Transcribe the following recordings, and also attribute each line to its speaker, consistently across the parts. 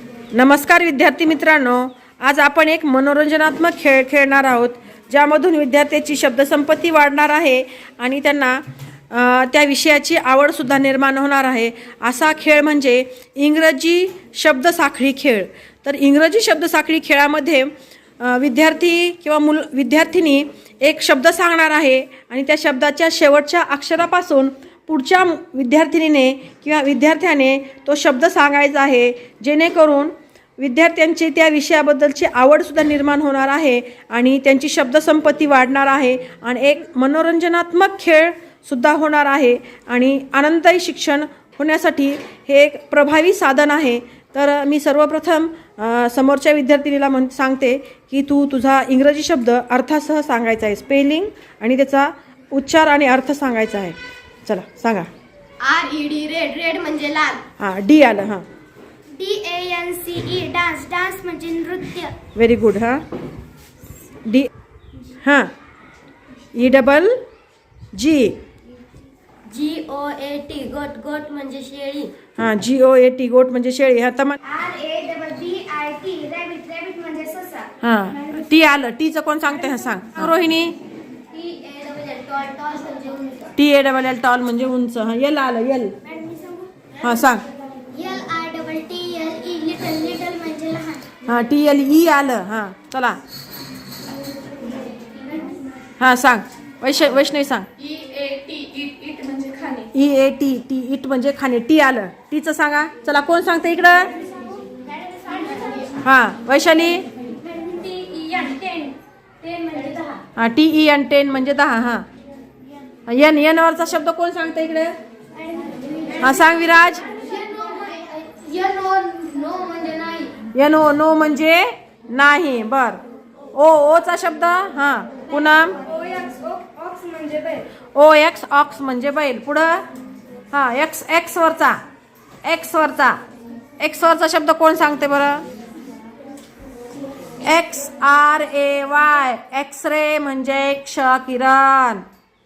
Speaker 1: नमस्कार विद्यार्थी मित्रांनो, आज आपण एक मनोरंजनात्मक खेळ खेळणार आहोत, ज्यामधून विद्यार्थ्याची शब्दसंपत्ती वाढणार आहे आणि त्यांना त्या विषयाची आवडसुद्धा निर्माण होणार आहे। असा खेळ म्हणजे इंग्रजी शब्दसाखळी खेळ। तर इंग्रजी शब्दसाखळी खेळामध्ये विद्यार्थी किंवा विद्यार्थिनी एक शब्द सांगणार आहे आणि त्या शब्दाच्या शेवटच्या अक्षरापासून पुढच्या विद्यार्थिनीने किंवा विद्यार्थ्याने तो शब्द सांगायचा आहे, जेणेकरून विद्यार्थ्यांची त्या विषयाबद्दलची आवडसुद्धा निर्माण होणार आहे आणि त्यांची शब्दसंपत्ती वाढणार आहे आणि एक मनोरंजनात्मक खेळसुद्धा होणार आहे आणि आनंददायी शिक्षण होण्यासाठी हे एक प्रभावी साधन आहे। तर मी सर्वप्रथम समोरच्या विद्यार्थिनीला सांगते की तू तुझा इंग्रजी शब्द अर्थासह सांगायचा आहे, स्पेलिंग आणि त्याचा उच्चार आणि अर्थ सांगायचा आहे। चला सांगा।
Speaker 2: RED रेड, रेड म्हणजे लाल।
Speaker 1: हां, डी आलं। हां,
Speaker 2: DANCE डान्स, डान्स म्हणजे नृत्य।
Speaker 1: Very good. हां, डी। हां, EGG
Speaker 2: GOAT गोट, गोट म्हणजे शेळी।
Speaker 1: हां, GOAT गोट म्हणजे शेळी। हां, तमा
Speaker 2: RABBIT रॅबिट, रॅबिट म्हणजे ससा।
Speaker 1: हां, टी आलं। टीचं कोण सांगते? हां सांग रोहिणी। TALL टॉल म्हणजे उंच। हां, एल आलं। एल। हां सांग।
Speaker 2: LITTLE लिटल, लिटल म्हणजे लहान।
Speaker 1: हां, TLE आलं। हां चला। हां सांग। वैष्णवी सांग।
Speaker 2: EAT इट म्हणजे खाणे।
Speaker 1: EAT इट म्हणजे खाणे। टी आलं। टीचं सांगा। चला कोण सांगते इकडं? हां, वैशाली।
Speaker 2: TEN म्हणजे 10।
Speaker 1: हां, TEN म्हणजे 10। हां, एन वरचा शब्द कोण सांगते इकडे? हां सांग विराज।
Speaker 2: नो म्हणजे नाही।
Speaker 1: नो म्हणजे नाही। बर। ओचा शब्द? हां पूनम।
Speaker 2: ऑक्स म्हणजे बैल।
Speaker 1: ऑक्स म्हणजे बैल। पुढं? हां, एक्स वरचा शब्द कोण सांगते बरं? XRAY एक्सरे म्हणजे क्ष किरण।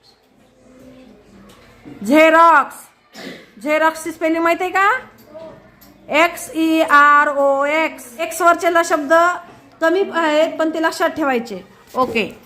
Speaker 1: झेरॉक्सची स्पेलिंग माहिती आहे का? XEROX। एक्स वरचे शब्द कमी आहेत पण ते लक्षात ठेवायचे। ओके।